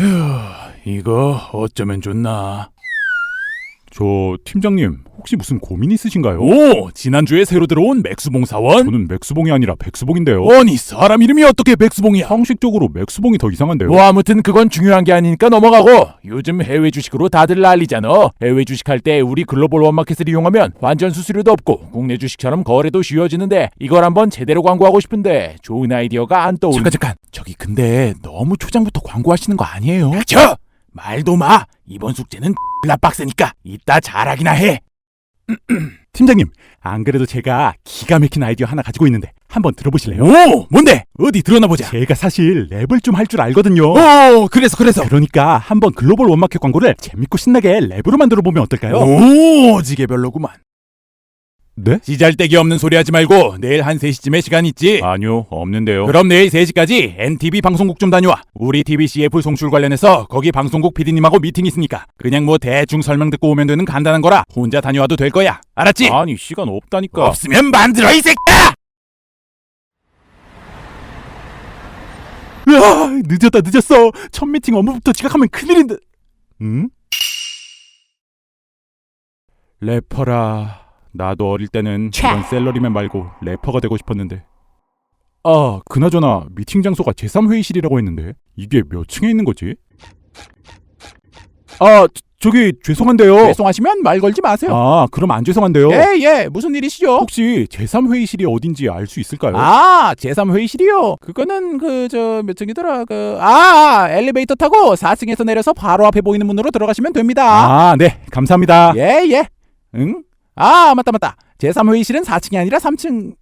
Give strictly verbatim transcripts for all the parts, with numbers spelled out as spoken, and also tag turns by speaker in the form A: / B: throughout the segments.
A: 이거 어쩌면 좋나?
B: 저 팀장님 혹시 무슨 고민 있으신가요?
A: 오, 지난주에 새로 들어온 맥수봉 사원?
B: 저는 맥수봉이 아니라 백수봉인데요.
A: 아니, 사람 이름이 어떻게 백수봉이야?
B: 상식적으로 맥수봉이 더 이상한데요.
A: 뭐 아무튼 그건 중요한 게 아니니까 넘어가고, 요즘 해외 주식으로 다들 난리잖아. 해외 주식할 때 우리 글로벌 원마켓을 이용하면 완전 수수료도 없고 국내 주식처럼 거래도 쉬워지는데, 이걸 한번 제대로 광고하고 싶은데 좋은 아이디어가 안 떠오르.
B: 잠깐 잠깐 저기 근데 너무 초장부터 광고하시는 거 아니에요?
A: 닥쳐! 말도 마! 이번 숙제는 나 빡세니까 이따 잘하기나 해.
B: 팀장님, 안 그래도 제가 기가 막힌 아이디어 하나 가지고 있는데 한번 들어보실래요?
A: 오, 뭔데? 어디 들어나 보자.
B: 제가 사실 랩을 좀 할 줄 알거든요.
A: 오, 그래서 그래서.
B: 그러니까 한번 글로벌 원마켓 광고를 재밌고 신나게 랩으로 만들어 보면 어떨까요?
A: 오, 지게 별로구만.
B: 네?
A: 시잘데기 없는 소리 하지 말고 내일 한 세 시쯤에 시간 있지?
B: 아니요, 없는데요.
A: 그럼 내일 세 시까지 엔티비 방송국 좀 다녀와. 우리 티비씨에프 송출 관련해서 거기 방송국 피디님하고 미팅 있으니까 그냥 뭐 대충 설명 듣고 오면 되는 간단한 거라 혼자 다녀와도 될 거야. 알았지?
B: 아니, 시간 없다니까.
A: 없으면 만들어, 이 새끼야!
B: 으아, 늦었다 늦었어. 첫 미팅 업무부터 지각하면 큰일인데. 응? 래퍼라. 나도 어릴 때는 이런 셀러리맨 말고 래퍼가 되고 싶었는데. 아, 그나저나 미팅 장소가 제삼 회의실이라고 했는데 이게 몇 층에 있는 거지? 아, 저, 저기 죄송한데요.
A: 죄송하시면 말 걸지 마세요.
B: 아, 그럼 안 죄송한데요.
A: 예, 예, 무슨 일이시죠?
B: 혹시 제삼 회의실이 어딘지 알 수 있을까요?
A: 아, 제삼 회의실이요? 그거는 그 저 몇 층이더라? 그 아, 엘리베이터 타고 사 층에서 내려서 바로 앞에 보이는 문으로 들어가시면 됩니다.
B: 아, 네, 감사합니다.
A: 예, 예.
B: 응?
A: 아, 맞다 맞다. 제삼 회의실은 사 층이 아니라 삼 층.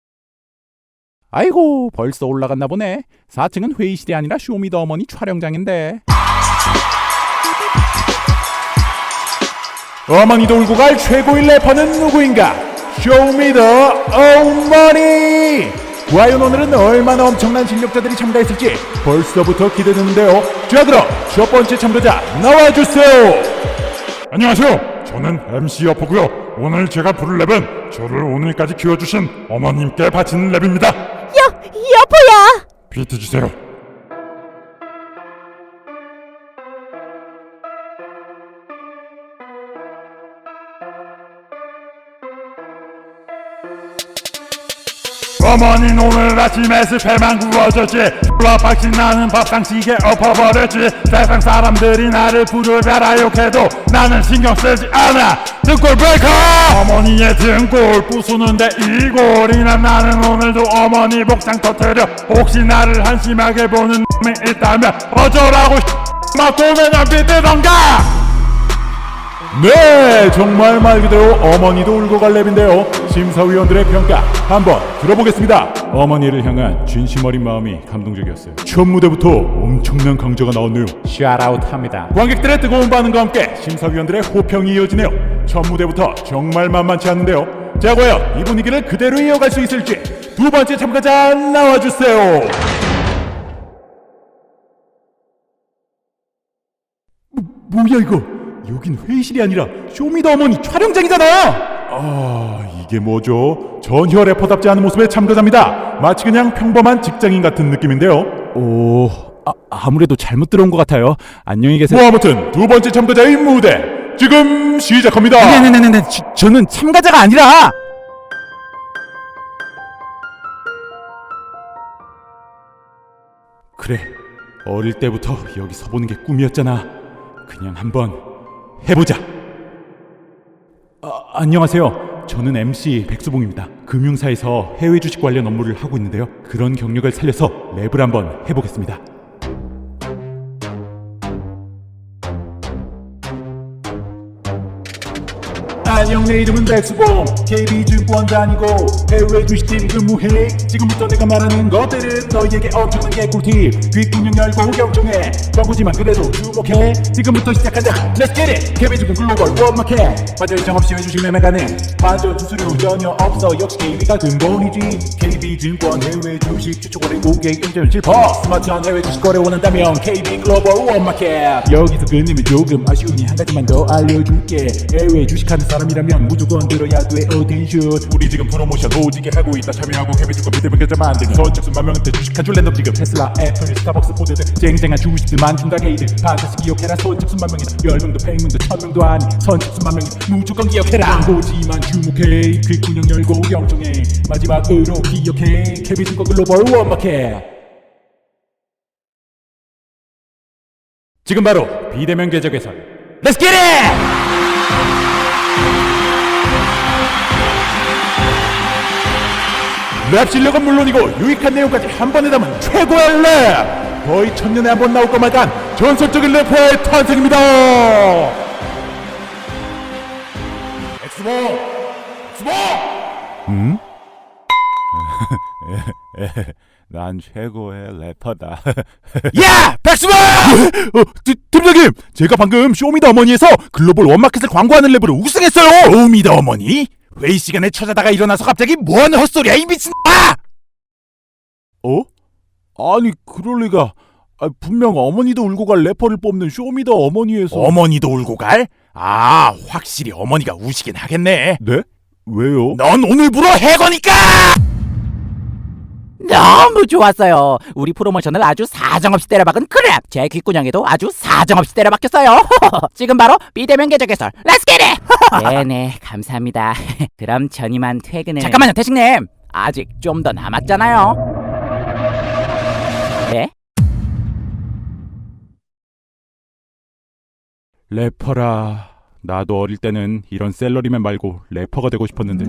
A: 아이고, 벌써 올라갔나 보네. 사 층은 회의실이 아니라 쇼미더어머니 촬영장인데.
B: 어머니도 울고 갈 최고의 래퍼는 누구인가? 쇼미더어머니! 과연 오늘은 얼마나 엄청난 실력자들이 참가했을지 벌써부터 기대되는데요. 자, 그럼 첫 번째 참가자 나와주세요.
C: 안녕하세요. 저는 엠씨 여포고요. 오늘 제가 부를 랩은 저를 오늘까지 키워주신 어머님께 바치는 랩입니다.
D: 여, 여보야!
C: 비트 주세요. 어머니는 오늘 아침에 습해만 구워졌지. 졸라 박신 나는 밥상식에 엎어버렸지. 세상 사람들이 나를 부르다라 욕해도 나는 신경 쓰지 않아. 등골 브레이커! 어머니의 등골 부수는데 이골이나. 나는 오늘도 어머니 복장 터뜨려. 혹시 나를 한심하게 보는 놈이 있다면 어쩌라고 맞고 그냥 비트던가.
B: 네, 정말 말 그대로 어머니도 울고 갈 랩인데요. 심사위원들의 평가 한번 들어보겠습니다. 어머니를 향한 진심 어린 마음이 감동적이었어요. 첫 무대부터 엄청난 강자가 나왔네요.
A: 샷아웃합니다.
B: 관객들의 뜨거운 반응과 함께 심사위원들의 호평이 이어지네요. 첫 무대부터 정말 만만치 않은데요. 자, 과연 이 분위기를 그대로 이어갈 수 있을지 두 번째 참가자 나와주세요. 뭐, 뭐야 이거? 여긴 회의실이 아니라 쇼미더어머니 촬영장이잖아. 아, 이게 뭐죠? 전혀 래퍼답지 않은 모습의 참가자입니다. 마치 그냥 평범한 직장인 같은 느낌인데요. 오, 아, 아무래도 잘못 들어온 것 같아요. 안녕히 계세요. 뭐 아무튼 두 번째 참가자의 무대 지금 시작합니다.
A: 네네네네. 저, 저는 참가자가 아니라.
B: 그래, 어릴 때부터 여기 서보는 게 꿈이었잖아. 그냥 한번 해보자. 아, 안녕하세요. 저는 엠씨 백수봉입니다. 금융사에서 해외 주식 관련 업무를 하고 있는데요. 그런 경력을 살려서 랩을 한번 해보겠습니다. 안녕, 내 이름은 백수봉. 케이비증권 다니고 해외 주식팀 근무해. 지금부터 내가 말하는 것들은 너희에게 엄청나게 꿀팁. 귓구녕 열고 경청해. 광고지만 그래도 주목해. 지금부터 시작하자. Let's get it. 케이비증권 글로벌 원마켓. 과절 일정 없이 해외 주식 매매 가능. 완전 수수료 전혀 없어. 역시 케이비가 근본이지. 케이비증권 해외 주식 추천 거래 고객 인증 칠퍼. 스마트한 해외 주식 거래 원한다면 케이비 글로벌 원마켓. 여기서 끊으면 조금 아쉬우니 한 가지만 더 알려줄게. 해외 주식하는 사람이라 참여하려면 무조건 들어야 돼 어텐션. 우리 지금 프로모션 오지게 하고 있다. 참여하고 개비주가 비대면 계좌 만들고 선착순 만 명한테 주식 한 줄 랜덤 지급. 테슬라, 애플, 스타벅스, 포드 등 쟁쟁한 주식들만 준다 게이들. 반드시 기억해라. 선착순 만 명이다. 열 명도 백 명도 천 명도 아니 선착순 만 명이다. 무조건 기억해라. 광고지만 주목해. 귓구녕 열고 경청해. 마지막으로 기억해. 개비주가 글로벌 원마켓. 지금 바로 비대면 계좌 개설. Let's get it! 랩 실력은 물론이고 유익한 내용까지 한 번에 담은 최고의 랩! 거의 천년에 한 번 나올 것만 한 전설적인 래퍼의 탄생입니다! 엑스보! 엑스보! 음? 난 최고의 래퍼다. 야! 백스보! 어, 팀장님! 제가 방금 쇼미더어머니에서 글로벌 원마켓을 광고하는 랩으로 우승했어요! 쇼미더어머니? 회의 시간에 찾아다가 일어나서 갑자기 뭐하는 헛소리야 이 미친 아! 어? 아니 그럴 리가. 아, 분명 어머니도 울고 갈 래퍼를 뽑는 쇼미더어머니에서. 어머니도 울고 갈? 아 확실히 어머니가 우시긴 하겠네. 네? 왜요? 넌 오늘부로 해거니까!
E: 너무 좋았어요. 우리 프로모션을 아주 사정없이 때려박은 그랩. 제 귓구녕에도 아주 사정없이 때려박혔어요. 지금 바로 비대면 계좌 개설. Let's get it! 네네 감사합니다. 그럼 전 이만 퇴근을. 잠깐만요 태식님. 아직 좀 더 남았잖아요. 네?
B: 래퍼라. 나도 어릴 때는 이런 셀러리맨 말고 래퍼가 되고 싶었는데.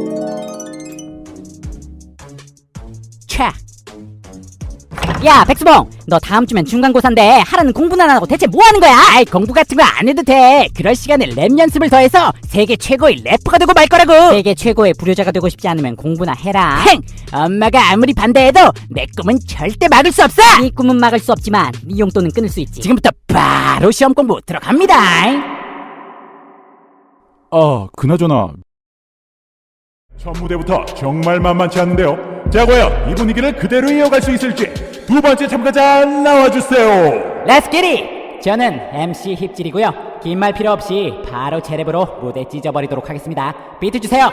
E: 차. 야 백수봉 너 다음 주면 중간고사인데 하라는 공부는 안 하고 대체 뭐 하는 거야? 아이 공부 같은 거 안 해도 돼. 그럴 시간에 랩 연습을 더해서 세계 최고의 래퍼가 되고 말 거라고. 세계 최고의 불효자가 되고 싶지 않으면 공부나 해라. 행! 엄마가 아무리 반대해도 내 꿈은 절대 막을 수 없어. 네 꿈은 막을 수 없지만 네 용돈은 끊을 수 있지. 지금부터 바로 시험 공부 들어갑니다.
B: 아 그나저나 첫 무대부터 정말 만만치 않은데요. 자 과연 이 분위기를 그대로 이어갈 수 있을지 두 번째 참가자 나와주세요.
E: Let's get it! 저는 엠씨 힙질이고요. 긴 말 필요 없이 바로 제 랩으로 무대 찢어버리도록 하겠습니다. 비트 주세요.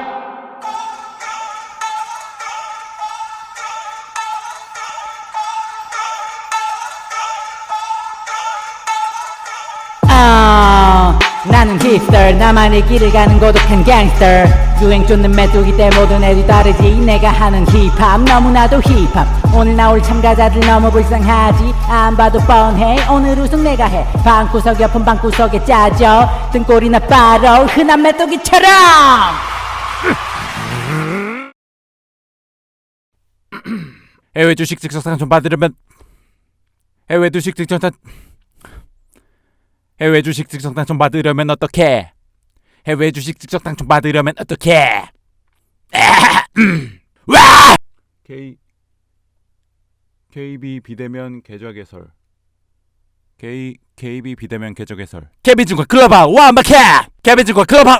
E: 아, 나는 힙스터 나만의 길을 가는 고독한 갱스터. 유행 쫓는 메뚜기 때 모든 애들이 다르지. 내가 하는 힙합 너무나도 힙합. 오늘 나올 참가자들 너무 불쌍하지. 안 봐도 뻔해 오늘 우승 내가 해. 방구석 옆은 방구석에 짜져. 등골이나 빠로 흔한 메뚜기처럼.
A: 해외 주식 직접 상품 받으려면 해외 주식 직접 상 해외 주식 직접 당첨 받으려면 어떻게? 해외 주식 직접 당첨 받으려면 어떻게? 와!
B: K KB 비대면 계좌 개설. K KB 비대면 계좌 개설.
A: 케빈증권 글로벌 원마켓. 케빈증권 글로벌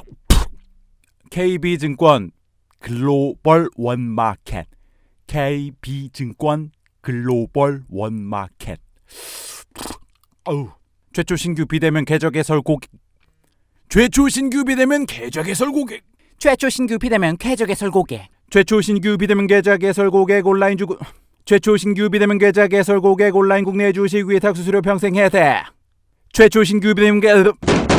B: 케이비증권 글로벌 원마켓. 케이비증권 글로벌 원마켓. 어우. 최초 신규 비대면 계좌 개설 고객. 최초 신규 비대면 계좌 개설 고객.
E: 최초 신규 비대면 계좌 개설 고객.
B: 최초 신규 비대면 계좌 개설 고객 온라인 주구. 최초 신규 비대면 계좌 개설 고객 온라인 국내 주식 위탁 수수료 평생 혜택. 최초 신규 비대면 계